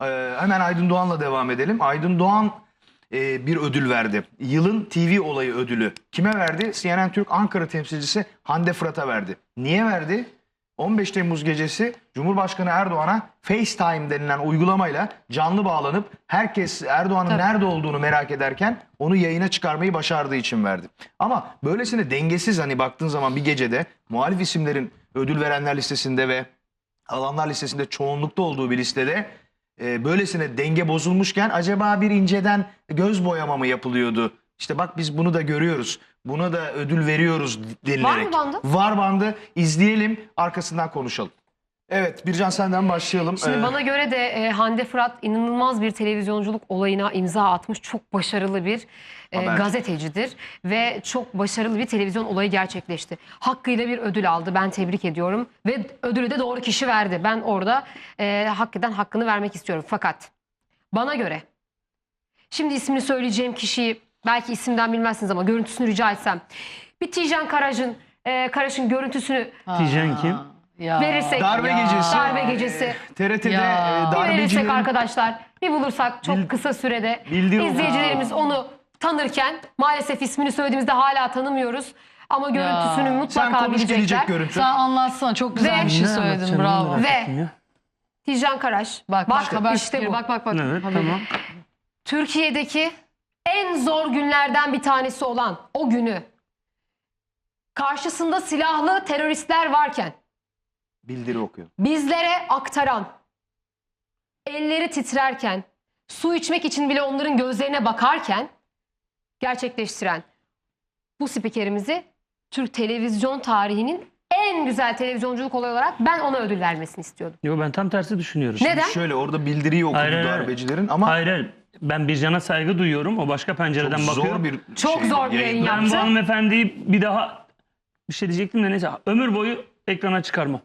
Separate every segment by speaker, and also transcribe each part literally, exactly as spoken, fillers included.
Speaker 1: Ee, hemen Aydın Doğan'la devam edelim. Aydın Doğan e, bir ödül verdi. Yılın T V olayı ödülü. Kime verdi? C N N Türk Ankara temsilcisi Hande Fırat'a verdi. Niye verdi? on beş Temmuz gecesi Cumhurbaşkanı Erdoğan'a FaceTime denilen uygulamayla canlı bağlanıp herkes Erdoğan'ın nerede olduğunu merak ederken onu yayına çıkarmayı başardığı için verdi. Ama böylesine dengesiz, hani baktığın zaman bir gecede muhalif isimlerin ödül verenler listesinde ve alanlar listesinde çoğunlukta olduğu bir listede e, böylesine denge bozulmuşken acaba bir inceden göz boyama mı yapılıyordu? İşte bak biz bunu da görüyoruz. Buna da ödül veriyoruz denilerek.
Speaker 2: Var mı bandı?
Speaker 1: Var bandı. İzleyelim, arkasından konuşalım. Evet, Bircan senden başlayalım.
Speaker 2: Şimdi
Speaker 1: Ee,
Speaker 2: bana göre de e, Hande Fırat inanılmaz bir televizyonculuk olayına imza atmış. Çok başarılı bir e,
Speaker 1: Haberci.
Speaker 2: gazetecidir ve çok başarılı bir televizyon olayı gerçekleşti. Hakkıyla bir ödül aldı. Ben tebrik ediyorum ve ödülü de doğru kişi verdi. Ben orada e, hakikaten hakkını vermek istiyorum. Fakat bana göre, şimdi ismini söyleyeceğim kişiyi belki isimden bilmezsiniz ama görüntüsünü rica etsem. Bir Tijen Karaş'ın e, Karaş'ın görüntüsünü
Speaker 3: Tijen kim?
Speaker 4: Ya.
Speaker 2: verirsek.
Speaker 1: darbe
Speaker 4: Ya.
Speaker 1: gecesi.
Speaker 2: Darbe gecesi.
Speaker 1: T R T'de
Speaker 4: Ya.
Speaker 1: e,
Speaker 2: Bir verirsek
Speaker 1: darbecilerin...
Speaker 2: arkadaşlar, bir bulursak çok
Speaker 1: Bil-
Speaker 2: kısa sürede
Speaker 1: Bildir o.
Speaker 2: izleyicilerimiz onu tanırken, maalesef ismini söylediğimizde hala tanımıyoruz ama görüntüsünü
Speaker 1: Sen
Speaker 2: mutlaka
Speaker 1: konuş, gelecek
Speaker 2: bilecekler.
Speaker 1: görüntü.
Speaker 4: Sen anlatsana, çok güzel
Speaker 2: Ve-
Speaker 4: bir şey
Speaker 3: Ne
Speaker 4: söyledin,
Speaker 3: anlatacağım,
Speaker 4: bravo.
Speaker 3: onu merak
Speaker 2: Ve-
Speaker 3: ettim ya.
Speaker 2: Tijen Karaş.
Speaker 4: Bak bak, haber
Speaker 2: işte
Speaker 4: spiker,
Speaker 2: bu.
Speaker 4: bak bak bak.
Speaker 3: Evet,
Speaker 4: Haberi.
Speaker 3: tamam.
Speaker 2: Türkiye'deki en zor günlerden bir tanesi olan o günü karşısında silahlı teröristler varken
Speaker 1: Bildiri okuyor.
Speaker 2: bizlere aktaran, elleri titrerken, su içmek için bile onların gözlerine bakarken gerçekleştiren bu spikerimizi Türk televizyon tarihinin en güzel televizyonculuk olayı olarak ben ona ödül vermesini istiyordum.
Speaker 3: Yok, ben tam tersi düşünüyorum.
Speaker 2: Neden?
Speaker 1: Şöyle orada bildiriyi okudu
Speaker 3: Hayır, hayır, hayır.
Speaker 1: darbecilerin ama
Speaker 3: Hayır, hayır. Ben Bircan'a saygı duyuyorum. O başka
Speaker 1: çok
Speaker 3: pencereden
Speaker 1: zor
Speaker 3: bakıyor.
Speaker 1: bir
Speaker 2: Çok
Speaker 1: şey,
Speaker 2: zor bir yayın
Speaker 3: Ben
Speaker 2: yaptı.
Speaker 3: bu hanımefendiyi bir daha bir şey diyecektim de neyse. Ömür boyu ekrana çıkarmam.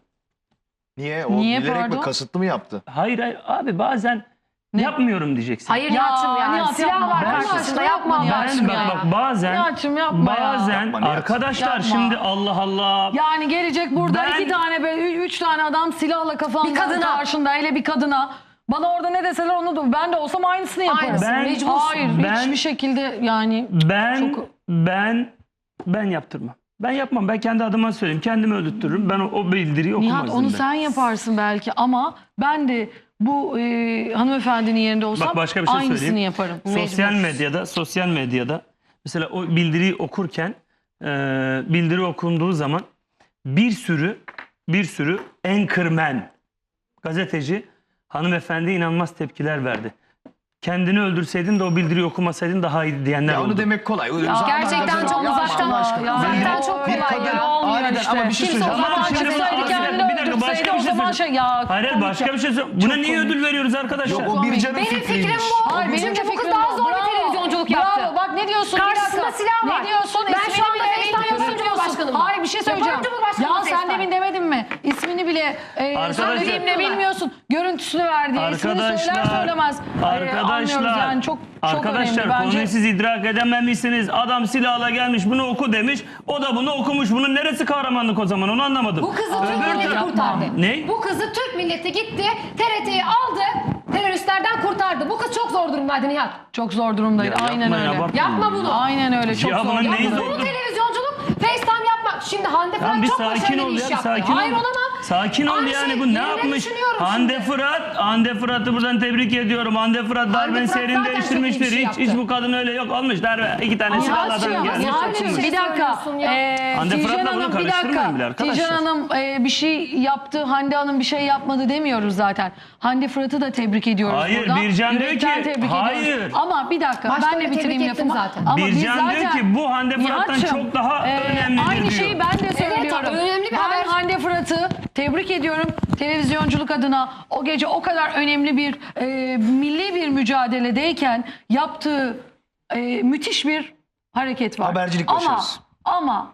Speaker 1: Niye? O
Speaker 4: Niye,
Speaker 1: bilerek
Speaker 4: pardon?
Speaker 1: mi, kasıtlı mı yaptı?
Speaker 3: Hayır hayır abi, bazen
Speaker 4: Ne?
Speaker 3: yapmıyorum diyeceksin.
Speaker 2: Hayır
Speaker 4: Ya,
Speaker 2: Nihat'ım ya.
Speaker 4: Nihat
Speaker 2: Silah
Speaker 4: yapma.
Speaker 2: var
Speaker 3: Ben-
Speaker 2: karşısında,
Speaker 4: Ben-
Speaker 2: yapma
Speaker 4: Nihat,
Speaker 2: Nihat'ım
Speaker 3: Ben
Speaker 2: ya.
Speaker 3: bak bak bazen
Speaker 4: Nihat'cığım yapma ya.
Speaker 3: bazen
Speaker 1: Yapma Nihat.
Speaker 3: arkadaşlar
Speaker 4: Yapma.
Speaker 3: şimdi Allah Allah.
Speaker 4: Yani gelecek burada
Speaker 3: Ben-
Speaker 4: iki tane böyle ü- üç tane adam silahla kafandan
Speaker 2: Bir kadına.
Speaker 4: karşında, hele bir kadına. Bana orada ne deseler onu da ben de olsam aynısını yaparım.
Speaker 2: Aynısını,
Speaker 3: Ben-
Speaker 2: mecbursun.
Speaker 4: Hayır,
Speaker 3: Ben-
Speaker 4: hiçbir şekilde yani.
Speaker 3: Ben
Speaker 4: Çok-
Speaker 3: ben ben yaptırmam. Ben yapmam. Ben kendi adıma söyleyeyim. Kendimi öldürtürüm. Ben o, o bildiriyi okumazdım.
Speaker 4: Nihat, onu
Speaker 3: ben.
Speaker 4: sen yaparsın belki ama ben de bu e, hanımefendinin yerinde olsam
Speaker 3: Bak başka bir şey
Speaker 4: aynısını
Speaker 3: söyleyeyim.
Speaker 4: yaparım.
Speaker 3: Sosyal
Speaker 2: Mecbursun.
Speaker 3: medyada, sosyal medyada mesela o bildiriyi okurken e, bildiri okunduğu zaman bir sürü bir sürü anchorman, gazeteci hanımefendiye inanılmaz tepkiler verdi. Kendini öldürseydin de o bildiriyi okumasaydın daha iyi diyenler
Speaker 1: Ya
Speaker 3: oldu.
Speaker 1: onu demek kolay. Öyle
Speaker 4: Ya,
Speaker 1: uzaktan
Speaker 2: gerçekten
Speaker 1: gazeteci
Speaker 2: çok
Speaker 1: yapma
Speaker 2: uzaktan-
Speaker 1: Allah aşkına.
Speaker 4: Ya,
Speaker 2: uzaktan
Speaker 4: ya,
Speaker 2: çok
Speaker 4: bir
Speaker 2: kolay
Speaker 4: kadın
Speaker 2: ya.
Speaker 4: olmuyor
Speaker 1: Aniden
Speaker 4: işte.
Speaker 1: ama bir şey
Speaker 4: Kimse
Speaker 1: söyleyeceğim.
Speaker 4: o zaman
Speaker 3: Ama şimdi
Speaker 4: çıksaydı
Speaker 3: bir dakika,
Speaker 4: kendini
Speaker 3: bir dakika, başka
Speaker 4: öldürseydi
Speaker 3: bir
Speaker 4: o
Speaker 3: şey
Speaker 4: zaman şey ya.
Speaker 3: Hayır
Speaker 4: komik
Speaker 3: başka
Speaker 4: ya.
Speaker 3: bir şey söyleyeyim. Buna
Speaker 4: Çok
Speaker 3: niye
Speaker 4: komik.
Speaker 3: ödül veriyoruz arkadaşlar?
Speaker 1: Yok o Bircan'ın
Speaker 2: Benim
Speaker 1: fikriymiş.
Speaker 2: fikrim bu.
Speaker 4: Hayır, benim
Speaker 2: Çünkü
Speaker 4: de
Speaker 2: bu kız
Speaker 4: fikrim
Speaker 2: daha
Speaker 4: bu.
Speaker 2: zor bir
Speaker 4: Bravo.
Speaker 2: televizyonculuk
Speaker 4: Bravo.
Speaker 2: yaptı.
Speaker 4: Bak ne diyorsun? Bir
Speaker 2: Karşısında
Speaker 4: dakika.
Speaker 2: silah var.
Speaker 4: Ne diyorsun?
Speaker 2: Ben şu
Speaker 4: İsmini
Speaker 2: anda
Speaker 4: bile
Speaker 2: FaceTime
Speaker 4: bilmiyorsun
Speaker 2: yapıyorum
Speaker 4: diyorsun.
Speaker 2: Cumhurbaşkanımla.
Speaker 4: Hayır, bir şey söyleyeceğim.
Speaker 2: Yaparım Cumhurbaşkanımla
Speaker 4: Ya sen
Speaker 2: FaceTime.
Speaker 4: demin demedin mi? İsmini bile e,
Speaker 3: Arkadaşlar-
Speaker 4: söyleyeyim de bilmiyorsun. Görüntüsünü ver diye. İsmini söyler söylemez. E, anlıyoruz
Speaker 3: Arkadaşlar,
Speaker 4: yani çok çok
Speaker 3: arkadaşlar
Speaker 4: önemli bence.
Speaker 3: konuyu siz idrak edememişsiniz. Adam silahla gelmiş bunu oku demiş. O da bunu okumuş. Bunun neresi kahramanlık o zaman, onu anlamadım.
Speaker 2: Bu kızı Türk
Speaker 3: Öbür
Speaker 2: milleti
Speaker 3: taraf-
Speaker 2: kurtardı.
Speaker 3: Ne?
Speaker 2: Bu kızı Türk milleti gitti, T R T'yi aldı, teröristlerden kurtardı. Bu kız çok zor durumdaydı Nihat.
Speaker 4: Çok zor durumdaydı.
Speaker 3: Ya
Speaker 4: Aynen
Speaker 3: yapmayın,
Speaker 4: öyle.
Speaker 3: abartmayın.
Speaker 2: Yapma bunu.
Speaker 4: Aynen öyle. Çok
Speaker 3: Ya
Speaker 4: zor.
Speaker 3: bunun
Speaker 4: Ya
Speaker 3: neyi
Speaker 4: bu-
Speaker 3: zor?
Speaker 2: Bu televizyonculuk FaceTime yapmak. Şimdi Hande Fırat
Speaker 3: Lan bir
Speaker 2: çok
Speaker 3: sakin
Speaker 2: başarılı
Speaker 3: ol
Speaker 2: bir
Speaker 3: ya,
Speaker 2: iş
Speaker 3: bir
Speaker 2: yaptı.
Speaker 3: sakin ol.
Speaker 2: Hayır olamam.
Speaker 3: Sakin ol
Speaker 2: Aynı
Speaker 3: yani,
Speaker 2: şey,
Speaker 3: bu ne
Speaker 2: yerine
Speaker 3: yapmış?
Speaker 2: düşünüyorum
Speaker 3: Hande
Speaker 2: şimdi.
Speaker 3: Fırat, Hande Fırat'ı buradan tebrik ediyorum. Hande Fırat darbenin
Speaker 2: Fırat
Speaker 3: seyrini
Speaker 2: zaten çok iyi
Speaker 3: değiştirmiştir.
Speaker 2: bir şey
Speaker 3: hiç, hiç
Speaker 2: yaptı.
Speaker 3: bu kadın öyle yok olmuş darbe. İki tane silahlı adam
Speaker 4: Nihat'cığım,
Speaker 3: gelmiş.
Speaker 4: Nihat'cığım,
Speaker 3: okumuş.
Speaker 4: bir dakika.
Speaker 2: söylüyorsun ya.
Speaker 4: Ee,
Speaker 3: Hande
Speaker 4: Tijen
Speaker 3: Fırat'la bunu
Speaker 4: Hanım, bir
Speaker 3: karıştırmayın
Speaker 4: dakika.
Speaker 3: bile arkadaşlar.
Speaker 4: Tijen Hanım e, bir şey yaptı, Hande Hanım bir şey yapmadı demiyoruz zaten. Hande Fırat'ı da tebrik ediyoruz
Speaker 3: Hayır,
Speaker 4: burada.
Speaker 3: Bircan diyor
Speaker 4: Yürekten
Speaker 3: ki,
Speaker 4: tebrik
Speaker 3: hayır.
Speaker 4: ediyoruz. Ama bir dakika,
Speaker 2: Başta
Speaker 4: ben
Speaker 2: öyle
Speaker 4: de bitireyim
Speaker 2: tebrik ettim
Speaker 4: lafımı.
Speaker 2: zaten.
Speaker 4: Ama biz
Speaker 3: Bircan diyor
Speaker 4: zaten-
Speaker 3: ki, bu Hande Fırat'tan
Speaker 4: Nihat'cığım,
Speaker 3: çok daha önemlidir
Speaker 4: Aynı
Speaker 3: diyor.
Speaker 4: şeyi ben de söylüyorum.
Speaker 2: önemli bir
Speaker 4: ben
Speaker 2: haber.
Speaker 4: Hande Fırat'ı tebrik ediyorum. Televizyonculuk adına o gece o kadar önemli bir e, milli bir mücadeledeyken yaptığı e, müthiş bir hareket var.
Speaker 1: Habercilik
Speaker 4: ama,
Speaker 1: başarısı.
Speaker 4: Ama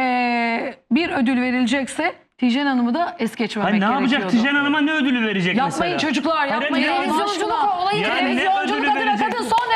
Speaker 4: e, bir ödül verilecekse Tijen Hanım'ı da es geçmemek
Speaker 3: Hayır, ne
Speaker 4: gerekiyordu.
Speaker 3: yapacak? Tijen Hanım'a ne ödülü verecek
Speaker 4: Yapmayın
Speaker 3: mesela?
Speaker 4: çocuklar,
Speaker 3: Hayır,
Speaker 4: yapmayın.
Speaker 3: ne-
Speaker 4: Allah
Speaker 2: Televizyonculuk
Speaker 4: aşkına.
Speaker 2: olayı
Speaker 3: Yani ne
Speaker 4: Televizyonculuk
Speaker 3: ödülü
Speaker 4: adına
Speaker 3: verecek?
Speaker 4: kadın son derece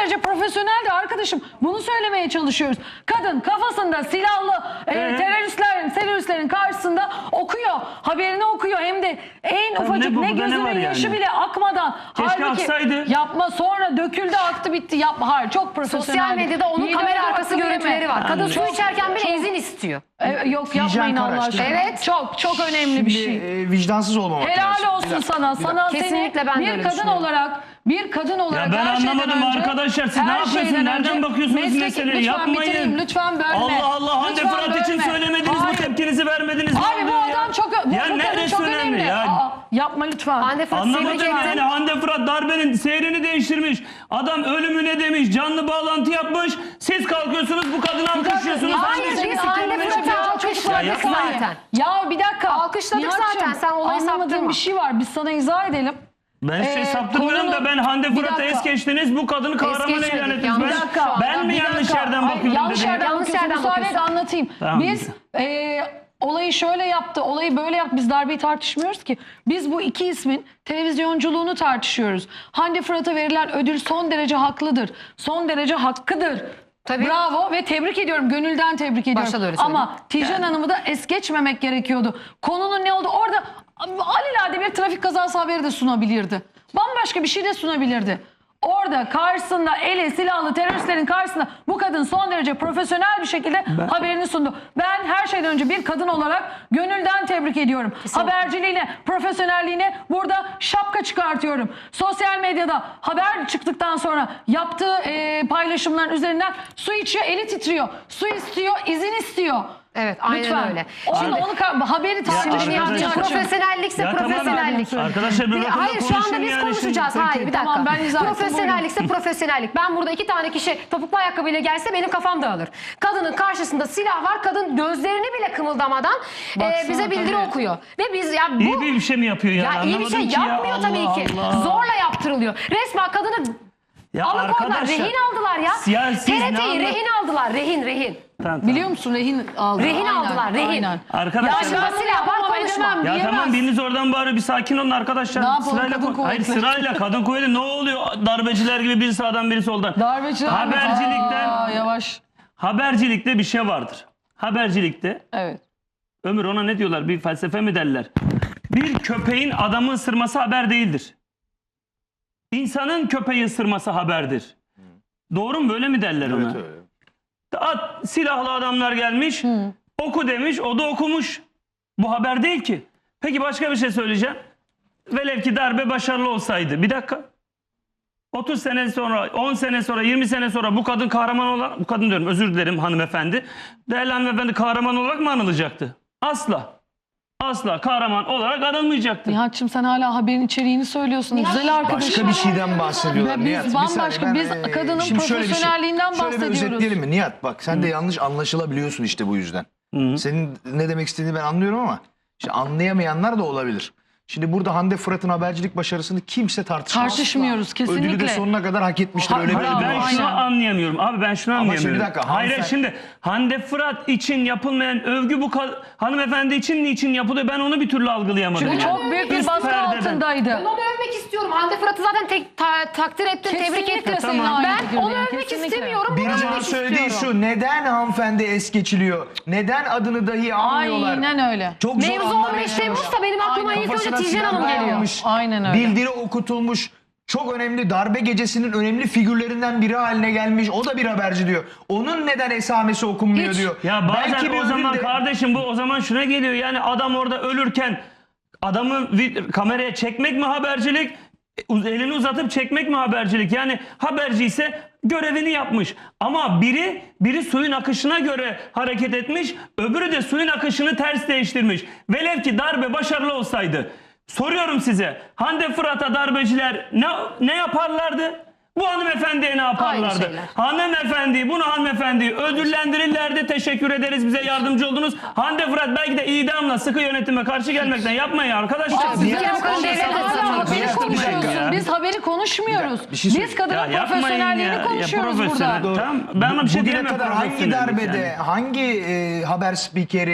Speaker 4: derece profesyoneldi arkadaşım. Bunu söylemeye çalışıyoruz. Kadın kafasında silahlı e,
Speaker 3: Ee?
Speaker 4: teröristlerin, teröristlerin karşısında okuyor. Haberini okuyor. Hem de en
Speaker 3: Tabii
Speaker 4: ufacık
Speaker 3: ne bu,
Speaker 4: ne,
Speaker 3: burada ne
Speaker 4: gözünün
Speaker 3: var
Speaker 4: yaşı
Speaker 3: yani?
Speaker 4: bile akmadan.
Speaker 3: Keşke
Speaker 4: Halbuki
Speaker 3: aksaydı.
Speaker 4: yapma, sonra döküldü, aktı, bitti. Yapma. Hayır, çok profesyonel.
Speaker 2: Sosyal medyada onun
Speaker 4: Yedi
Speaker 2: kamera
Speaker 4: öyle
Speaker 2: arkası
Speaker 4: hakkı
Speaker 2: görüntüleri
Speaker 4: verme.
Speaker 2: var. Kadın su
Speaker 3: Anladım.
Speaker 2: içerken bile izin istiyor.
Speaker 4: E, yok
Speaker 1: Hijyen
Speaker 4: yapmayın Allah
Speaker 1: Karaç,
Speaker 4: aşkına.
Speaker 1: değil mi?
Speaker 2: Evet.
Speaker 4: Çok çok önemli bir
Speaker 1: Şimdi,
Speaker 4: şey.
Speaker 1: e, vicdansız olmamak lazım.
Speaker 4: Helal
Speaker 1: Bir
Speaker 4: olsun
Speaker 1: dakika,
Speaker 4: sana.
Speaker 1: bir dakika.
Speaker 4: Sana
Speaker 2: Kesinlikle
Speaker 4: seni
Speaker 2: ben de
Speaker 4: bir
Speaker 2: öyle
Speaker 4: kadın
Speaker 2: düşünüyorum.
Speaker 4: olarak bir kadın olarak
Speaker 3: Ya ben
Speaker 4: her şeyden
Speaker 3: anlamadım
Speaker 4: önce,
Speaker 3: arkadaşlar. Siz ne
Speaker 4: her
Speaker 3: yapıyorsunuz?
Speaker 4: şeyden
Speaker 3: Nereden
Speaker 4: önce
Speaker 3: bakıyorsunuz
Speaker 4: mesleki-
Speaker 3: meseleye?
Speaker 4: Lütfen
Speaker 3: Yapmayın.
Speaker 4: bitireyim, lütfen bölme.
Speaker 3: Allah Allah, Hande
Speaker 4: Lütfen
Speaker 3: Fırat için
Speaker 4: bölme.
Speaker 3: söylemediniz,
Speaker 4: Hayır.
Speaker 3: bu tepkinizi vermediniz. Ne
Speaker 4: Abi bu
Speaker 3: oluyor ya?
Speaker 4: adam çok bu,
Speaker 3: Ya
Speaker 4: bu kadın
Speaker 3: neresi
Speaker 4: çok
Speaker 3: önemli
Speaker 4: önemli.
Speaker 3: ya?
Speaker 4: Aa, yapma lütfen.
Speaker 2: Hande Fırat'ı
Speaker 3: Anlamadım
Speaker 2: tebrik ettim.
Speaker 3: yani. Hande Fırat darbenin seyrini değiştirmiş. Adam ölümüne demiş. Canlı bağlantı yapmış. Siz kalkıyorsunuz bu kadını alkışlıyorsunuz.
Speaker 2: Hayır,
Speaker 3: Hande
Speaker 2: biz
Speaker 3: Fırat'ı
Speaker 2: Hande
Speaker 3: söylemeye
Speaker 2: Fırat'ı
Speaker 3: çalışıyorsunuz.
Speaker 2: alkışladık
Speaker 3: Ya yapma ya.
Speaker 2: zaten.
Speaker 4: Ya bir dakika.
Speaker 2: Alkışladık
Speaker 4: Nihat'cığım,
Speaker 2: zaten, sen olayı
Speaker 4: anlamadığın
Speaker 2: saptırma.
Speaker 4: bir şey var. Biz sana izah edelim.
Speaker 3: Ben şey
Speaker 4: Ee,
Speaker 3: saptırmıyorum da
Speaker 4: konunun-
Speaker 3: ben Hande
Speaker 4: Bir
Speaker 3: Fırat'ı
Speaker 4: dakika.
Speaker 3: es geçtiniz. Bu kadını kahraman
Speaker 2: geçmedik,
Speaker 3: ilan ettiniz.
Speaker 2: yanlış.
Speaker 3: Ben,
Speaker 2: Bir dakika,
Speaker 3: ben mi
Speaker 4: Bir
Speaker 3: yanlış
Speaker 4: dakika.
Speaker 3: yerden
Speaker 4: Hayır,
Speaker 3: bakıyorum
Speaker 4: yanlış
Speaker 3: dedim.
Speaker 4: yerden
Speaker 2: Yanlış
Speaker 4: bakıyorsun.
Speaker 2: yerden
Speaker 4: Müsaade et,
Speaker 2: bakıyorsun.
Speaker 4: anlatayım.
Speaker 3: Tamam.
Speaker 4: Biz e, olayı şöyle yaptı, olayı böyle yaptı. Biz darbeyi tartışmıyoruz ki. Biz bu iki ismin televizyonculuğunu tartışıyoruz. Hande Fırat'a verilen ödül son derece haklıdır. Son derece hakkıdır.
Speaker 2: Tabii.
Speaker 4: Bravo ve tebrik ediyorum. Gönülden tebrik ediyorum.
Speaker 2: Başta da öyle
Speaker 4: Ama Tijen Hanım'ı da es geçmemek gerekiyordu. Konunun ne oldu? Orada alelade bir trafik kazası haberi de sunabilirdi. Bambaşka bir şey de sunabilirdi. Orada karşısında eli silahlı teröristlerin karşısında bu kadın son derece profesyonel bir şekilde haberini sundu. Ben her şeyden önce bir kadın olarak gönülden tebrik ediyorum.
Speaker 2: Kesinlikle.
Speaker 4: Haberciliğine, profesyonelliğine burada şapka çıkartıyorum. Sosyal medyada haber çıktıktan sonra yaptığı e, paylaşımların üzerinden su içiyor, eli titriyor. Su istiyor, izin istiyor.
Speaker 2: Evet, aynen
Speaker 4: Lütfen.
Speaker 2: öyle.
Speaker 4: Onu,
Speaker 2: Şimdi-
Speaker 4: onu ka- haberi tartışmıyor.
Speaker 2: Şimdi Nihat'cığım,
Speaker 3: arkadaşlar-
Speaker 2: profesyonellikse
Speaker 3: Ya tamam,
Speaker 2: profesyonellik.
Speaker 3: arkadaşlar bir
Speaker 2: Bir-
Speaker 3: bakın da
Speaker 2: Hayır, şu anda
Speaker 3: konuşun
Speaker 2: biz
Speaker 3: yani
Speaker 2: konuşacağız.
Speaker 3: şimdi.
Speaker 2: Hayır,
Speaker 3: Peki.
Speaker 2: bir dakika.
Speaker 4: Tamam, ben izah ettim,
Speaker 2: Profesyonellikse profesyonellik. Ben burada iki tane kişi topuklu ayakkabıyla gelse benim kafam dağılır. Kadının karşısında silah var. Kadın gözlerini bile kımıldamadan e,
Speaker 4: Baksana,
Speaker 2: bize bildiri
Speaker 4: tabii.
Speaker 2: okuyor. Ve biz ya bu
Speaker 3: İyi bir şey mi yapıyor yani?
Speaker 2: ya iyi bir şey
Speaker 3: Anlamadım ki ya.
Speaker 2: yapmıyor tabii
Speaker 3: Allah
Speaker 2: ki.
Speaker 3: Allah.
Speaker 2: Zorla yaptırılıyor. Resmen kadını
Speaker 3: Ya
Speaker 2: alıkoydular.
Speaker 3: arkadaşlar,
Speaker 2: Rehin aldılar ya.
Speaker 3: ya siz ne
Speaker 2: T R T'yi
Speaker 3: anlat-
Speaker 2: rehin aldılar. Rehin rehin.
Speaker 3: Tamam, tamam.
Speaker 4: Biliyor musun rehin aldılar.
Speaker 2: Rehin
Speaker 4: Aynen,
Speaker 2: aldılar, rehin.
Speaker 4: Aynen.
Speaker 3: Arkadaşlar-
Speaker 4: Ya ben bunu
Speaker 2: Silah var,
Speaker 4: yapamam,
Speaker 2: konuşma.
Speaker 4: edemem,
Speaker 3: Ya
Speaker 4: diyemez.
Speaker 3: tamam, biriniz oradan bağırıyor, bir sakin olun arkadaşlar.
Speaker 4: Ne yapalım,
Speaker 3: Sırayla
Speaker 4: kadın
Speaker 3: kon- Hayır,
Speaker 4: kuvvetleri.
Speaker 3: sırayla kadın kuvveti ne oluyor? Darbeciler gibi biri sağdan biri soldan.
Speaker 4: Darbeciler mi?
Speaker 3: Habercilikten
Speaker 4: Aa, yavaş.
Speaker 3: habercilikte bir şey vardır. Habercilikte
Speaker 4: Evet.
Speaker 3: Ömür ona ne diyorlar? Bir felsefe mi derler? Bir köpeğin adamı ısırması haber değildir. İnsanın köpeği ısırması haberdir. Doğru mu? Böyle mi derler ona?
Speaker 1: Evet, öyle.
Speaker 3: At, silahlı adamlar gelmiş. Oku demiş. O da okumuş. Bu haber değil ki. Peki başka bir şey söyleyeceğim. Velev ki darbe başarılı olsaydı. Bir dakika. otuz sene sonra, on sene sonra, yirmi sene sonra bu kadın kahraman olarak, bu kadın diyorum, özür dilerim hanımefendi. Değerli hanımefendi kahraman olarak mı anılacaktı? Asla. Asla kahraman olarak anılmayacaktı.
Speaker 4: Nihat'cığım sen hala haberin içeriğini söylüyorsun. Güzel arkadaşım.
Speaker 1: Başka bir şeyden bahsediyorlar
Speaker 4: Biz
Speaker 1: Nihat. Bir
Speaker 4: bambaşka,
Speaker 1: saniye,
Speaker 4: biz
Speaker 1: e,
Speaker 4: kadının
Speaker 1: şimdi şöyle bir şey-
Speaker 4: profesyonelliğinden
Speaker 1: Şöyle bir
Speaker 4: bahsediyoruz.
Speaker 1: özetleyelim mi? Nihat bak sen de yanlış anlaşılabiliyorsun işte bu yüzden.
Speaker 3: Hı.
Speaker 1: Senin ne demek istediğini ben anlıyorum ama işte anlayamayanlar da olabilir. Şimdi burada Hande Fırat'ın habercilik başarısını kimse tartışmaz.
Speaker 4: Tartışmıyoruz kesinlikle.
Speaker 1: Ödülü de sonuna kadar hak etmiştir.
Speaker 4: Ha-
Speaker 1: Öyle bir
Speaker 4: Bravo,
Speaker 1: ödül
Speaker 3: Ben
Speaker 1: var.
Speaker 3: şunu
Speaker 4: aynen.
Speaker 3: anlayamıyorum. Abi ben şunu
Speaker 1: Ama şimdi
Speaker 3: anlayamıyorum.
Speaker 1: bir dakika,
Speaker 3: Hayır
Speaker 1: hanımefendi-
Speaker 3: şimdi Hande Fırat için yapılmayan övgü bu ka- hanımefendi için niçin yapılıyor? Ben onu bir türlü algılayamadım.
Speaker 4: Çünkü
Speaker 3: yani.
Speaker 4: çok büyük bir
Speaker 3: Üst
Speaker 4: baskı
Speaker 3: perdeden.
Speaker 4: altındaydı.
Speaker 2: Ben onu övmek istiyorum. Hande Fırat'ı zaten tek, ta- takdir ettim, tebrik
Speaker 4: Kesinlikle
Speaker 2: ettim.
Speaker 4: seninle aynı
Speaker 2: Ben
Speaker 4: fikirdeyim,
Speaker 2: onu övmek
Speaker 4: kesinlikle.
Speaker 2: istemiyorum. Bunu
Speaker 1: Biricik'in
Speaker 2: övmek
Speaker 1: söylediği
Speaker 2: istiyorum.
Speaker 1: şu, neden hanımefendi es geçiliyor? Neden adını dahi almıyorlar?
Speaker 4: Aynen öyle.
Speaker 1: Çok zor
Speaker 2: Mevzu
Speaker 1: anlar
Speaker 2: on beş
Speaker 1: yaşıyorlar.
Speaker 2: Temmuz'da benim aklıma
Speaker 4: Aynen.
Speaker 2: ilk önce
Speaker 1: Kafasına
Speaker 2: Tijen
Speaker 1: silah
Speaker 2: Hanım geliyor.
Speaker 1: dayanmış,
Speaker 4: Aynen öyle.
Speaker 1: Bildiri okutulmuş. Çok önemli darbe gecesinin önemli figürlerinden biri haline gelmiş. O da bir haberci diyor. Onun neden esamesi okunmuyor
Speaker 2: Hiç.
Speaker 1: diyor.
Speaker 3: Ya bazen
Speaker 1: Belki bir
Speaker 3: o zaman
Speaker 1: ödül de-
Speaker 3: kardeşim bu o zaman şuna geliyor. Yani adam orada ölürken adamı vid- kameraya çekmek mi habercilik? E, Elini uzatıp çekmek mi habercilik? Yani haberci ise görevini yapmış. Ama biri biri suyun akışına göre hareket etmiş, öbürü de suyun akışını ters değiştirmiş. Velev ki darbe başarılı olsaydı. Soruyorum size. Hande Fırat'a darbeciler ne ne yaparlardı? Bu hanımefendiye ne yaparlardı?
Speaker 2: şeyler.
Speaker 3: Hanımefendi, bunu hanımefendi ödüllendirirlerdi. Teşekkür ederiz, bize yardımcı oldunuz. Hande Fırat belki de idamla sıkı yönetime karşı gelmekten yapmayın arkadaşlar.
Speaker 4: Abi,
Speaker 1: Niye-
Speaker 4: sen
Speaker 2: Niye-
Speaker 4: devlet
Speaker 2: Niye-
Speaker 4: hala haberi
Speaker 1: Niye-
Speaker 4: konuşuyorsun.
Speaker 3: Ya.
Speaker 4: Biz haberi konuşmuyoruz.
Speaker 1: Bir şey
Speaker 4: Biz
Speaker 1: söyleyeyim.
Speaker 4: kadının
Speaker 3: Ya yapmayın
Speaker 4: profesyonelliğini
Speaker 3: ya.
Speaker 4: konuşuyoruz
Speaker 3: Ya profesyonel.
Speaker 4: burada.
Speaker 3: Tamam, ben ona bir şey
Speaker 1: Bugüne
Speaker 3: diyemem.
Speaker 1: kadar hangi
Speaker 3: profesyonellik
Speaker 1: darbede,
Speaker 3: yani.
Speaker 1: hangi e, haber spikeri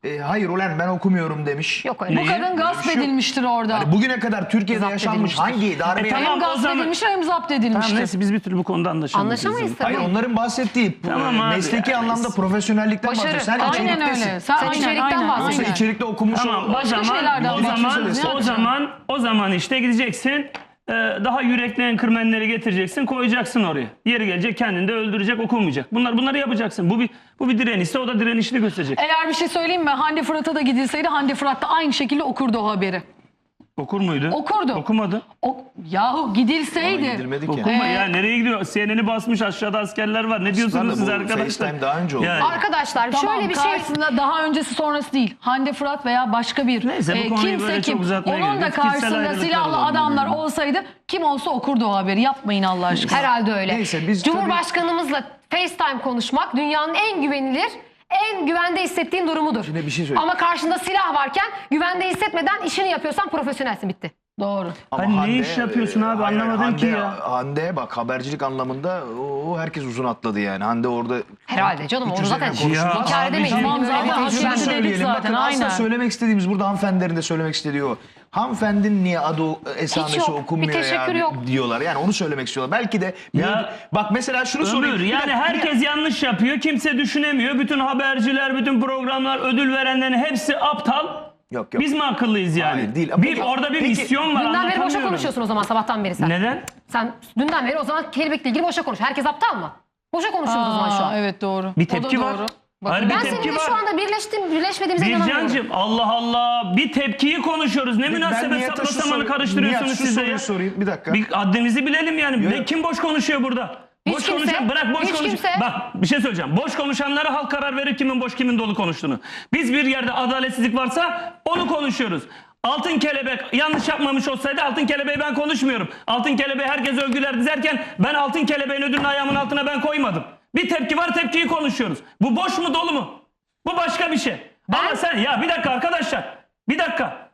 Speaker 1: e, hayır ulan ben okumuyorum demiş.
Speaker 2: Yok öyle.
Speaker 4: Bu kadın gasp
Speaker 1: şey yok.
Speaker 4: edilmiştir orada.
Speaker 1: Hani bugüne kadar Türkiye'de
Speaker 2: Zapt
Speaker 1: yaşanmış
Speaker 2: edilmiştir.
Speaker 1: hangi darbe
Speaker 3: E, tamam.
Speaker 4: hem
Speaker 3: o
Speaker 4: gasp
Speaker 3: zaman-
Speaker 4: edilmiştir hem zapt
Speaker 3: Tamam
Speaker 4: edilmiştir.
Speaker 3: neyse biz bir türlü bu konuda anlaşamayız.
Speaker 2: Anlaşamayız tabii.
Speaker 1: Hayır onların bahsettiği
Speaker 3: Tamam
Speaker 1: e,
Speaker 3: abi,
Speaker 1: mesleki
Speaker 3: yani.
Speaker 1: anlamda profesyonellikten
Speaker 2: Başarı.
Speaker 1: bahsediyorsun. Sen
Speaker 2: Aynen
Speaker 1: içeriktesin.
Speaker 4: öyle. Sen,
Speaker 2: Sen
Speaker 4: aynen,
Speaker 2: içerikten
Speaker 4: aynen,
Speaker 2: bahsediyorsun.
Speaker 1: Yoksa
Speaker 4: aynen.
Speaker 1: içerikte okumuş
Speaker 3: Tamam,
Speaker 1: ol-
Speaker 3: o
Speaker 4: Başka
Speaker 3: zaman,
Speaker 4: şeylerden
Speaker 3: o
Speaker 1: bahsediyorsun.
Speaker 3: zaman,
Speaker 1: Ne
Speaker 3: o
Speaker 4: yapacaksın?
Speaker 3: zaman, o zaman işte gideceksin, e, daha yürekli enkırmenleri getireceksin, koyacaksın oraya. Yeri gelecek kendini de öldürecek, okumayacak. Bunlar bunları yapacaksın. Bu bir bu bir direnişse o da direnişini gösterecek.
Speaker 4: Eğer bir şey söyleyeyim mi? Hande Fırat'a da gidilseydi Hande Fırat da aynı şekilde okurdu o haberi.
Speaker 3: Okur muydu?
Speaker 4: Okurdu.
Speaker 3: Okumadı.
Speaker 4: O, yahu
Speaker 1: Ama
Speaker 4: gidilseydi.
Speaker 1: gidilmedik ya.
Speaker 3: Okuma
Speaker 4: Ee,
Speaker 3: ya nereye gidiyor? C N N'i basmış aşağıda askerler var. Ne diyorsunuz
Speaker 1: Aslında
Speaker 3: siz
Speaker 1: bu
Speaker 3: arkadaşlar?
Speaker 1: FaceTime daha önce oldu.
Speaker 3: Yani-
Speaker 2: Arkadaşlar
Speaker 4: Tamam,
Speaker 2: şöyle bir şey.
Speaker 4: karşısında daha öncesi sonrası değil. Hande Fırat veya başka bir
Speaker 3: Neyse, bu
Speaker 4: e,
Speaker 3: konuyu
Speaker 4: kimse
Speaker 3: böyle çok
Speaker 4: kim
Speaker 3: uzatmaya
Speaker 4: onun da
Speaker 3: gerek yok. Kişisel
Speaker 4: karşısında
Speaker 3: ayrılıklar
Speaker 4: silahlı
Speaker 3: olabilir
Speaker 4: adamlar
Speaker 3: yani.
Speaker 4: olsaydı kim olsa okurdu o haberi. Yapmayın Allah aşkına.
Speaker 2: Herhalde öyle.
Speaker 1: Neyse, biz
Speaker 2: Cumhurbaşkanımızla FaceTime konuşmak dünyanın en güvenilir, en güvende hissettiğin durumudur.
Speaker 1: Şimdi bir şey söyleyeyim.
Speaker 2: Ama karşında silah varken güvende hissetmeden işini yapıyorsan profesyonelsin, bitti.
Speaker 4: Doğru.
Speaker 1: Ama
Speaker 3: Hani ne
Speaker 1: Hande,
Speaker 3: iş yapıyorsun abi?
Speaker 1: hayır,
Speaker 3: Anlamadım
Speaker 1: Hande,
Speaker 3: ki ya.
Speaker 1: Hande bak habercilik anlamında o herkes uzun atladı yani. Hande orada
Speaker 2: Herhalde canım,
Speaker 1: üç
Speaker 2: onu
Speaker 1: üzerine
Speaker 2: zaten
Speaker 1: konuşuldu.
Speaker 3: Ya
Speaker 2: inkar
Speaker 3: abi,
Speaker 2: edemeyiz.
Speaker 3: tamam,
Speaker 2: Benim öyle bir
Speaker 4: zaten
Speaker 2: tecrübem
Speaker 4: haklısın
Speaker 2: yok.
Speaker 4: dedik
Speaker 1: söyleyelim.
Speaker 4: zaten,
Speaker 1: Bakın aslında
Speaker 4: aynen.
Speaker 1: söylemek istediğimiz burada hanımefendinin de söylemek istediği o. Hanımefendinin niye adı o- esamesi
Speaker 2: Hiç yok,
Speaker 1: okunmuyor
Speaker 2: bir teşekkür
Speaker 1: ya
Speaker 2: yok.
Speaker 1: diyorlar. Yani onu söylemek istiyorlar. Belki de
Speaker 3: Ya,
Speaker 1: bak mesela şunu
Speaker 3: Ömür
Speaker 1: sorayım. Bir
Speaker 3: yani
Speaker 1: dakika,
Speaker 3: herkes yanlış yapıyor. Kimse düşünemiyor. Bütün haberciler, bütün programlar, ödül verenlerin hepsi aptal.
Speaker 1: Yok, yok.
Speaker 3: Biz mi akıllıyız yani?
Speaker 1: Hayır, değil.
Speaker 3: Bir
Speaker 1: Peki-
Speaker 3: orada bir
Speaker 1: peki,
Speaker 3: misyon var.
Speaker 2: Dünden beri boşa
Speaker 3: anlatamıyorum.
Speaker 2: konuşuyorsun o zaman, sabahtan beri sen.
Speaker 3: Neden?
Speaker 2: Sen dünden beri o zaman kelebekle ilgili boşa konuş. Herkes aptal mı? Boşa konuşuyoruz o zaman şu an.
Speaker 4: Aa, evet doğru.
Speaker 3: Bir
Speaker 4: O da
Speaker 3: tepki var.
Speaker 4: doğru.
Speaker 3: Hayır, bir
Speaker 2: Ben
Speaker 3: tepki
Speaker 2: seninle
Speaker 3: var.
Speaker 2: şu anda birleştim, birleşmediğimize inanamıyorum.
Speaker 3: Bircancığım Allah Allah bir tepkiyi konuşuyoruz. Ne
Speaker 1: Ben
Speaker 3: münasebet
Speaker 1: Nihat'a
Speaker 3: sapla
Speaker 1: şu
Speaker 3: samanı
Speaker 1: soru-
Speaker 3: karıştırıyorsunuz
Speaker 1: Nihat, şu
Speaker 3: siz de
Speaker 1: soruyu
Speaker 3: ya.
Speaker 1: sorayım bir dakika.
Speaker 3: Bir haddimizi bilelim yani.
Speaker 1: Yok.
Speaker 3: Ne, kim boş konuşuyor burada?
Speaker 2: Hiç
Speaker 3: boş
Speaker 2: kimse.
Speaker 3: konuşan bırak boş
Speaker 2: Hiç
Speaker 3: konuş.
Speaker 2: kimse.
Speaker 3: Bak bir şey söyleyeceğim. Boş konuşanlara halk karar verir kimin boş kimin dolu konuştuğunu. Biz bir yerde adaletsizlik varsa onu konuşuyoruz. Altın kelebek yanlış yapmamış olsaydı altın kelebeği ben konuşmuyorum. Altın kelebeği herkes övgüler dizerken ben altın kelebeğin ödülünü ayağımın altına ben koymadım. Bir tepki var, tepkiyi konuşuyoruz. Bu boş mu dolu mu? Bu başka bir şey. Ama sen ya bir dakika arkadaşlar. Bir dakika.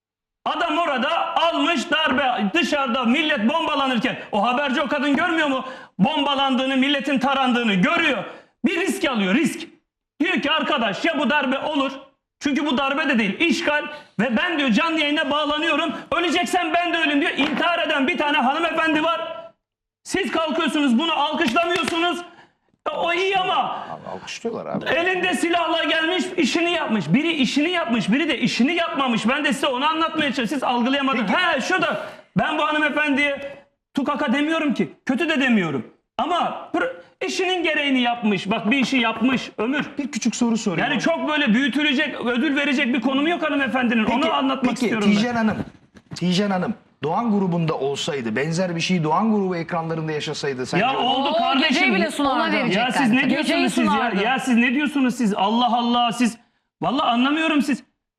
Speaker 3: Adam orada almış darbe, dışarıda millet bombalanırken o haberci o kadın görmüyor mu? Bombalandığını, milletin tarandığını görüyor. Bir risk alıyor, risk. Diyor ki arkadaş ya bu darbe olur. Çünkü bu darbe de değil, işgal ve ben diyor canlı yayına bağlanıyorum. Öleceksen ben de ölüm diyor. İntihar eden bir tane hanımefendi var. Siz kalkıyorsunuz bunu alkışlamıyorsunuz. O iyi ama
Speaker 1: Alkışlıyorlar abi.
Speaker 3: elinde silahla gelmiş işini yapmış. Biri işini yapmış, biri de işini yapmamış. Ben de size onu anlatmaya çalışıyorum. Siz algılayamadınız. He şu da ben bu hanımefendiye tukaka demiyorum ki. Kötü de demiyorum. Ama pır- işinin gereğini yapmış. Bak bir işi yapmış Ömür.
Speaker 1: Bir küçük soru sorayım.
Speaker 3: Yani çok böyle büyütülecek, ödül verecek bir konumu yok hanımefendinin. Onu anlatmak
Speaker 1: peki,
Speaker 3: istiyorum ben.
Speaker 1: Tijen Hanım, Tijen Hanım Doğan grubunda olsaydı, benzer bir şey Doğan grubu ekranlarında yaşasaydı sence
Speaker 3: Ya oldu
Speaker 4: O
Speaker 3: kardeşim.
Speaker 4: geceyi bile
Speaker 2: Ona
Speaker 4: sunardı.
Speaker 2: verecek.
Speaker 3: Ya siz ne
Speaker 2: Geceyi
Speaker 3: diyorsunuz siz ya?
Speaker 4: sunardı.
Speaker 3: Ya siz ne diyorsunuz siz? Allah Allah siz. Vallahi anlamıyorum siz.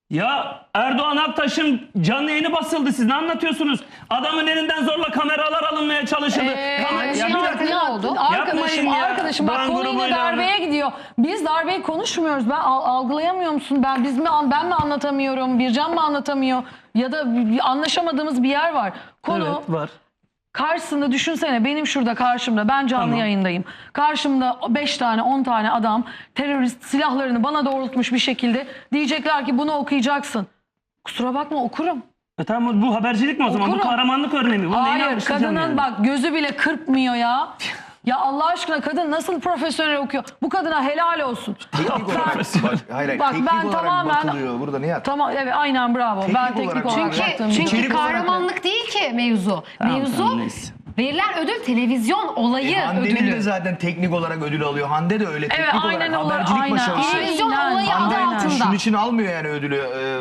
Speaker 3: Ya Erdoğan Aktaş'ın canlı yayını basıldı. Siz ne anlatıyorsunuz? Adamın elinden zorla kameralar alınmaya çalışıldı.
Speaker 4: Ee,
Speaker 3: Kamer-
Speaker 2: şey
Speaker 3: ya bir
Speaker 2: var,
Speaker 3: dakika.
Speaker 2: ne oldu?
Speaker 4: Arkadaşım,
Speaker 3: Yapmayın ya.
Speaker 4: arkadaşım bak
Speaker 3: Doğan
Speaker 4: konu yine
Speaker 3: grubuyla-
Speaker 4: darbeye gidiyor. Biz darbeyi konuşmuyoruz. Ben al- algılayamıyor musun? Ben biz mi ben mi anlatamıyorum? Bircan mı anlatamıyor? Ya da bir anlaşamadığımız bir yer var. Konu
Speaker 3: Evet var.
Speaker 4: karşısında düşünsene benim şurada karşımda ben canlı
Speaker 3: Tamam.
Speaker 4: yayındayım. Karşımda beş tane on tane adam terörist silahlarını bana doğrultmuş bir şekilde diyecekler ki bunu okuyacaksın. Kusura bakma okurum.
Speaker 3: E tamam bu habercilik mi o zaman? Bu
Speaker 4: Okurum.
Speaker 3: kahramanlık örneği mi? Bu neyini
Speaker 4: Hayır
Speaker 3: alkışlayacağım
Speaker 4: kadının
Speaker 3: yani?
Speaker 4: bak gözü bile kırpmıyor ya. Ya Allah aşkına kadın nasıl profesyonel okuyor? Bu kadına helal olsun.
Speaker 1: Teknik olarak, bak, hayır, hayır,
Speaker 4: Bak,
Speaker 1: teknik
Speaker 4: ben
Speaker 1: olarak
Speaker 4: tamamen-
Speaker 1: bakılıyor burada Nihat.
Speaker 4: Tamam evet aynen bravo.
Speaker 1: Teknik
Speaker 4: ben teknik
Speaker 1: olarak-
Speaker 4: olarak,
Speaker 1: Çünkü-
Speaker 4: baktığım
Speaker 2: Çünkü,
Speaker 4: için.
Speaker 2: çünkü
Speaker 1: İçerik olarak-
Speaker 2: kahramanlık değil ki mevzu.
Speaker 3: Tamam,
Speaker 2: mevzu
Speaker 3: tamam, neyse.
Speaker 2: verilen ödül televizyon olayı
Speaker 1: E, Hande'nin
Speaker 2: ödülü.
Speaker 1: de zaten teknik olarak ödül alıyor. Hande de öyle teknik
Speaker 4: Evet,
Speaker 1: olarak
Speaker 4: aynen olarak,
Speaker 1: habercilik
Speaker 4: aynen.
Speaker 1: başarısı.
Speaker 2: Televizyon
Speaker 4: Aynen,
Speaker 2: olayı adı
Speaker 4: aynen.
Speaker 2: altında.
Speaker 1: Şunun için almıyor yani ödülü. Ee,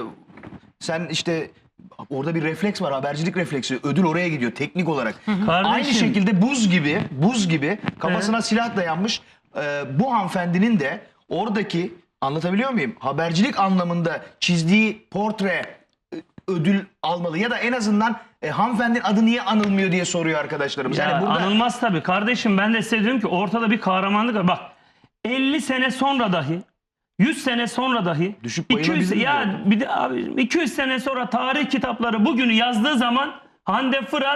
Speaker 1: sen işte orada bir refleks var, habercilik refleksi. Ödül oraya gidiyor teknik olarak.
Speaker 3: Kardeşim.
Speaker 1: Aynı şekilde buz gibi, buz gibi kafasına silah dayanmış e, bu hanımefendinin de oradaki, anlatabiliyor muyum? Habercilik anlamında çizdiği portre e, ödül almalı ya da en azından e, hanımefendinin adı niye anılmıyor diye soruyor arkadaşlarımız.
Speaker 3: Ya
Speaker 1: Yani burada
Speaker 3: anılmaz tabii. Kardeşim ben de size diyorum ki ortada bir kahramanlık var. Bak elli sene sonra dahi yüz sene sonra dahi
Speaker 1: Düşüp
Speaker 3: iki yüz
Speaker 1: bayılabilir mi
Speaker 3: ya
Speaker 1: diyor?
Speaker 3: bir de abi iki yüz sene sonra tarih kitapları bugünü yazdığı zaman Hande Fırat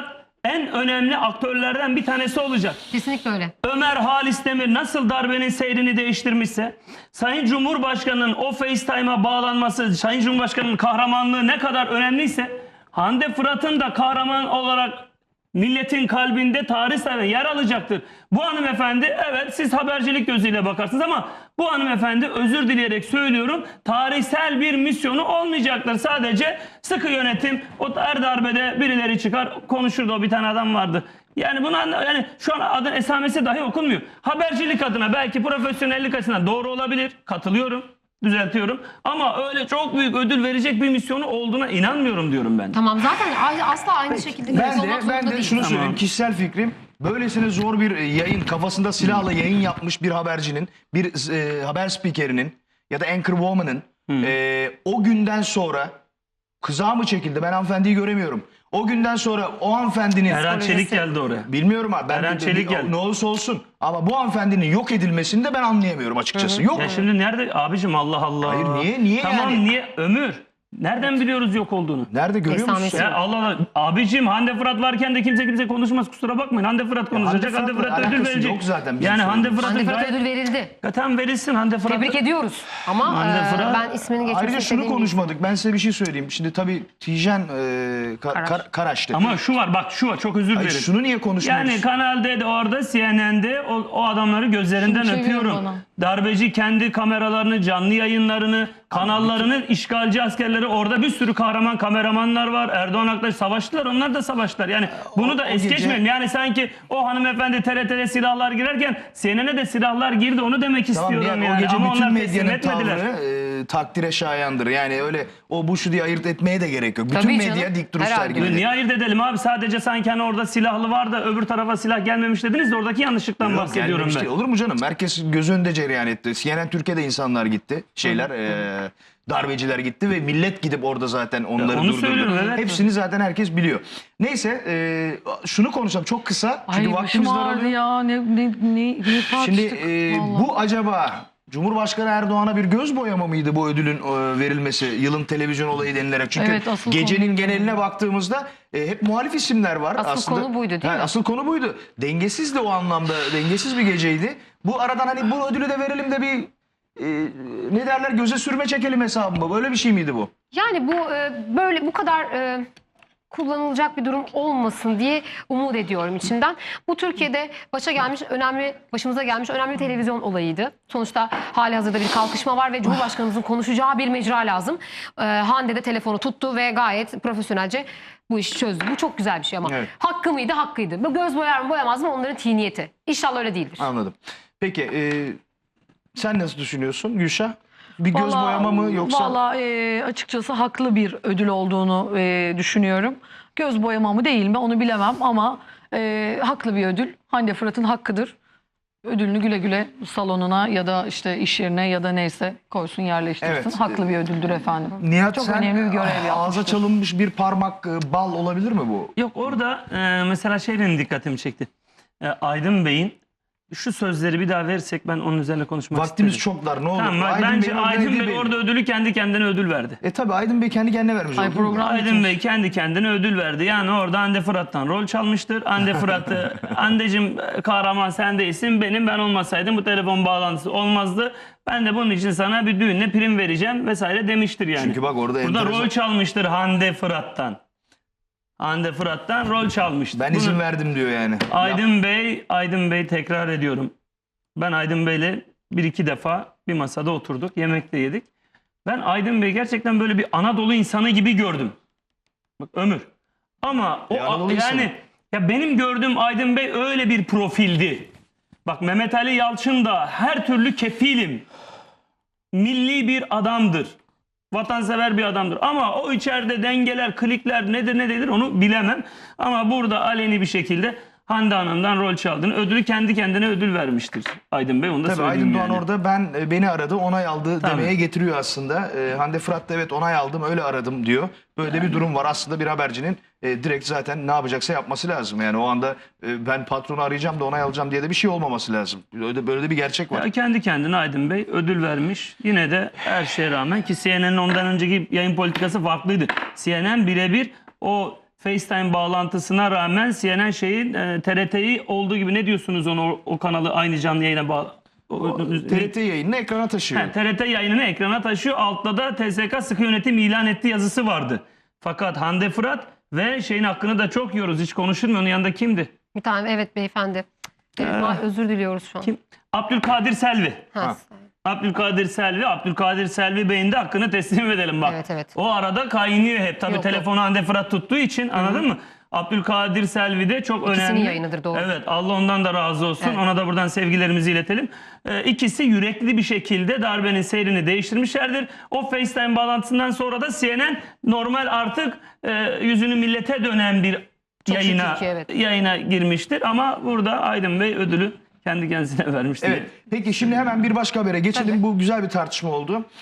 Speaker 3: en önemli aktörlerden bir tanesi olacak.
Speaker 2: Kesinlikle öyle.
Speaker 3: Ömer Halis Demir nasıl darbenin seyrini değiştirmişse, Sayın Cumhurbaşkanı'nın o FaceTime'a bağlanması, Sayın Cumhurbaşkanı'nın kahramanlığı ne kadar önemliyse, Hande Fırat'ın da kahraman olarak milletin kalbinde tarih sayfasında yer alacaktır. Bu hanımefendi, evet siz habercilik gözüyle bakarsınız ama bu hanımefendi, özür dileyerek söylüyorum, tarihsel bir misyonu olmayacaktır. Sadece sıkı yönetim, o her darbede birileri çıkar konuşurdu, o bir tane adam vardı. Yani buna, yani şu an adın esamesi dahi okunmuyor. Habercilik adına belki profesyonellik açısından doğru olabilir. Katılıyorum, düzeltiyorum. Ama öyle çok büyük ödül verecek bir misyonu olduğuna inanmıyorum diyorum ben.
Speaker 2: Tamam, zaten a- asla aynı şekilde
Speaker 1: Ben
Speaker 2: olmak
Speaker 1: de,
Speaker 2: zorunda
Speaker 1: ben de
Speaker 2: değil.
Speaker 1: şunu söyleyeyim.
Speaker 3: Tamam.
Speaker 1: Kişisel fikrim. Böylesine zor bir yayın, kafasında silahla yayın yapmış bir habercinin, bir e, haber spikerinin ya da anchor woman'ın e, o günden sonra kıza mı çekildi? Ben hanımefendiyi göremiyorum. O günden sonra o hanımefendinin...
Speaker 3: Eren Çelik geldi oraya.
Speaker 1: Bilmiyorum abi. Ben
Speaker 3: Eren
Speaker 1: de-
Speaker 3: Çelik
Speaker 1: de-
Speaker 3: geldi.
Speaker 1: ne olursa olsun. Ama bu hanımefendinin yok edilmesini de ben anlayamıyorum açıkçası. Yok.
Speaker 3: Ya şimdi nerede abicim, Allah Allah.
Speaker 1: Hayır, niye- niye
Speaker 3: tamam,
Speaker 1: yani?
Speaker 3: niye Ömür? Nereden biliyoruz yok olduğunu?
Speaker 1: Nerede görüyor musun?
Speaker 2: Esamesi.
Speaker 3: Ya Allah Allah. Abicim Hande Fırat varken de kimse kimse konuşmaz, kusura bakmayın. Hande Fırat konuşacak.
Speaker 1: Hande
Speaker 3: Hande
Speaker 1: Fırat'la
Speaker 3: Fırat'a ödül
Speaker 1: alakası
Speaker 3: verecek.
Speaker 1: yok zaten bizim
Speaker 3: Yani Hande
Speaker 1: söylediğimiz.
Speaker 3: Fırat'a
Speaker 2: Hande Fırat'a
Speaker 3: gayet...
Speaker 2: ödül verildi.
Speaker 3: Zaten verilsin Hande Fırat'a.
Speaker 2: Tebrik ediyoruz. Ama
Speaker 3: Hande
Speaker 2: e,
Speaker 3: Fırat-
Speaker 2: ben ismini geçmek
Speaker 1: Ayrıca şunu
Speaker 2: istediğim değil.
Speaker 1: konuşmadık. Ben size bir şey söyleyeyim. Şimdi tabii Tijen e, Ka-
Speaker 2: Karaş.
Speaker 1: Kar- Karaş'tı.
Speaker 3: Ama şu var, bak şu var, çok özür
Speaker 1: Hayır,
Speaker 3: dilerim.
Speaker 1: şunu niye konuşmuyoruz?
Speaker 3: Yani Kanal D'de orada, C N N'de o, o adamları gözlerinden
Speaker 4: Şunu çeviriyor
Speaker 3: öpüyorum.
Speaker 4: bana.
Speaker 3: Darbeci kendi kameralarını, canlı yayınlarını, kanallarını, işgalci askerleri, orada bir sürü kahraman kameramanlar var. Erdoğan Aktaş savaştılar, onlar da savaştılar. Yani bunu da
Speaker 1: o
Speaker 3: es
Speaker 1: gece-
Speaker 3: geçmeyelim. Yani sanki o hanımefendi T R T'de silahlar girerken C N N'e de silahlar girdi, onu demek
Speaker 1: Tamam,
Speaker 3: istiyorum
Speaker 1: yani
Speaker 3: yani.
Speaker 1: o gece
Speaker 3: Ama
Speaker 1: bütün
Speaker 3: onlar teslim
Speaker 1: medyanın
Speaker 3: etmediler.
Speaker 1: tavrı e, takdire şayandır. Yani öyle o bu şu diye ayırt etmeye de gerek yok. Bütün
Speaker 2: Tabii
Speaker 1: medya
Speaker 2: canım.
Speaker 1: dik duruş
Speaker 2: Herhalde.
Speaker 1: sergiledi.
Speaker 3: Niye ayırt edelim abi? Sadece sanki hani orada silahlı var da öbür tarafa silah gelmemiş dediniz de oradaki yanlışlıktan
Speaker 1: Yok,
Speaker 3: bahsediyorum
Speaker 1: gelmemiş
Speaker 3: ben.
Speaker 1: değil. Olur mu canım? Herkes göz önünde cereyan etti. C N N Türkiye'de insanlar gitti. Şeyler e, darbeciler gitti ve millet gidip orada zaten onları
Speaker 3: onu
Speaker 1: durdurdu.
Speaker 3: söylüyorum, evet.
Speaker 1: Hepsini zaten herkes biliyor. Neyse e, şunu konuşalım çok kısa. Çünkü
Speaker 4: Ay başım
Speaker 1: vaktimiz
Speaker 4: ağrıdı
Speaker 1: daralıyor.
Speaker 4: ya. Ne, ne, ne, ne tartıştık.
Speaker 1: Şimdi e,
Speaker 4: Vallahi.
Speaker 1: bu acaba Cumhurbaşkanı Erdoğan'a bir göz boyama mıydı bu ödülün e, verilmesi? Yılın televizyon olayı denilerek. Çünkü
Speaker 4: Evet, asıl
Speaker 1: gecenin
Speaker 4: konu-
Speaker 1: geneline baktığımızda e, hep muhalif isimler var.
Speaker 2: Asıl
Speaker 1: aslında.
Speaker 2: konu buydu, değil
Speaker 1: Ha,
Speaker 2: mi?
Speaker 1: Asıl konu buydu. Dengesiz de o anlamda. Dengesiz bir geceydi. Bu aradan hani bu ödülü de verelim de bir e, ne derler göze sürme çekelim hesabı mı? Böyle bir şey miydi bu?
Speaker 2: Yani bu e, böyle bu kadar e, kullanılacak bir durum olmasın diye umut ediyorum içimden. Bu Türkiye'de başa gelmiş önemli, başımıza gelmiş önemli bir televizyon olayıydı. Sonuçta hali hazırda bir kalkışma var ve Cumhurbaşkanımızın konuşacağı bir mecra lazım. E, Hande de telefonu tuttu ve gayet profesyonelce bu işi çözdü. Bu çok güzel bir şey ama
Speaker 1: Evet.
Speaker 2: hakkı mıydı? Hakkıydı. Bu göz boyar mı boyamaz mı? Onların tiniyeti. İnşallah öyle değildir.
Speaker 1: Anladım. Peki e, sen nasıl düşünüyorsun Gülşah? Bir göz
Speaker 4: Vallahi-
Speaker 1: boyama mı yoksa?
Speaker 4: Vallahi e, açıkçası haklı bir ödül olduğunu e, düşünüyorum. Göz boyama mı değil mi onu bilemem ama e, haklı bir ödül. Hande Fırat'ın hakkıdır. Ödülünü güle güle salonuna ya da işte iş yerine ya da neyse koysun, yerleştirsin.
Speaker 1: Evet.
Speaker 4: Haklı bir ödüldür efendim.
Speaker 1: Nihat
Speaker 4: Çok
Speaker 1: sen
Speaker 4: önemli bir görev
Speaker 1: ağza
Speaker 4: yapmıştır.
Speaker 1: çalınmış bir parmak e, bal olabilir mi bu?
Speaker 3: Yok, orada e, mesela şey benim dikkatimi çekti. E, Aydın Bey'in şu sözleri bir daha verirsek ben onun üzerine konuşmak
Speaker 1: Vaktimiz
Speaker 3: isterim.
Speaker 1: çok dar, ne olur.
Speaker 3: Tamam,
Speaker 1: Aydın
Speaker 3: bence
Speaker 1: Bey'in orada
Speaker 3: Aydın
Speaker 1: dediği
Speaker 3: Bey
Speaker 1: belli.
Speaker 3: orada ödülü kendi kendine ödül verdi.
Speaker 1: E tabi Aydın Bey kendi kendine vermiş.
Speaker 4: Ay,
Speaker 1: oldu, değil mi?
Speaker 4: program-
Speaker 3: Aydın Bey kendi kendine ödül verdi. Yani orada Hande Fırat'tan rol çalmıştır. Hande Fırat'ı, Hande'cim kahraman sen değilsin, benim ben olmasaydım bu telefon bağlantısı olmazdı. Ben de bunun için sana bir düğünle prim vereceğim vesaire demiştir yani.
Speaker 1: Çünkü bak orada
Speaker 3: Burada
Speaker 1: enteresan-
Speaker 3: rol çalmıştır Hande Fırat'tan. Hande Fırat'tan rol çalmıştır.
Speaker 1: Ben
Speaker 3: Bunu-
Speaker 1: izin verdim diyor yani.
Speaker 3: Aydın Bey, Aydın Bey tekrar ediyorum. Ben Aydın Bey'le bir iki defa bir masada oturduk, yemek de yedik. Ben Aydın Bey gerçekten böyle bir Anadolu insanı gibi gördüm. Bak Ömür. Ama o
Speaker 1: Bir Anadolu
Speaker 3: yani
Speaker 1: insanı.
Speaker 3: ya benim gördüğüm Aydın Bey öyle bir profildi. Bak Mehmet Ali Yalçın da her türlü kefilim. Milli bir adamdır. Vatansever bir adamdır. Ama o içeride dengeler, klikler nedir ne değildir onu bilemem. Ama burada aleni bir şekilde Hande Hanım'dan rol çaldığını, ödülü kendi kendine ödül vermiştir Aydın Bey. Onu da
Speaker 1: Tabii
Speaker 3: söyleyeyim
Speaker 1: Aydın Doğan
Speaker 3: yani.
Speaker 1: orada ben e, beni aradı, onay aldı
Speaker 3: Tabii.
Speaker 1: demeye getiriyor aslında. E, Hande Fırat da evet onay aldım, öyle aradım diyor. Böyle bir durum var. Aslında bir habercinin e, direkt zaten ne yapacaksa yapması lazım. Yani o anda e, ben patronu arayacağım da onay alacağım diye de bir şey olmaması lazım. Böyle, böyle de bir gerçek var.
Speaker 3: Ya kendi kendine Aydın Bey ödül vermiş. Yine de her şeye rağmen ki C N N'in ondan önceki yayın politikası farklıydı. C N N birebir o FaceTime bağlantısına rağmen C N N şeyin e, T R T'yi olduğu gibi, ne diyorsunuz onu, o, o kanalı aynı canlı yayına bağlı?
Speaker 1: T R T yayınını ekrana taşıyor.
Speaker 3: He, T R T yayınını ekrana taşıyor. Altta da T S K sıkı yönetim ilan etti yazısı vardı. Fakat Hande Fırat ve şeyin hakkını da çok yiyoruz. Hiç konuşulmuyor. Onun yanında kimdi?
Speaker 2: Bir tane, evet beyefendi. Evet, ma- özür diliyoruz şu an.
Speaker 3: Kim? Abdülkadir Selvi.
Speaker 2: Ha,
Speaker 1: Ha.
Speaker 3: Abdülkadir Selvi. Abdülkadir Selvi Bey'in de hakkını teslim edelim bak.
Speaker 2: Evet, evet.
Speaker 3: O arada kaynıyor hep. Tabii
Speaker 2: Yok,
Speaker 3: telefonu Hande Fırat tuttuğu için, anladın mı? Abdülkadir Selvi de çok
Speaker 2: İkisinin
Speaker 3: önemli.
Speaker 2: yayınıdır, doğru.
Speaker 3: Evet, Allah ondan da razı olsun.
Speaker 2: Evet.
Speaker 3: Ona da buradan sevgilerimizi iletelim. Ee, ikisi yürekli bir şekilde darbenin seyrini değiştirmişlerdir. O FaceTime bağlantısından sonra da C N N normal artık e, yüzünü millete dönen bir
Speaker 2: Çok
Speaker 3: yayına
Speaker 2: şükür ki, evet.
Speaker 3: yayına girmiştir. Ama burada Aydın Bey ödülü kendi kendisine vermiştir.
Speaker 1: Evet. Peki şimdi hemen bir başka habere geçelim.
Speaker 2: Tabii.
Speaker 1: Bu güzel bir tartışma oldu.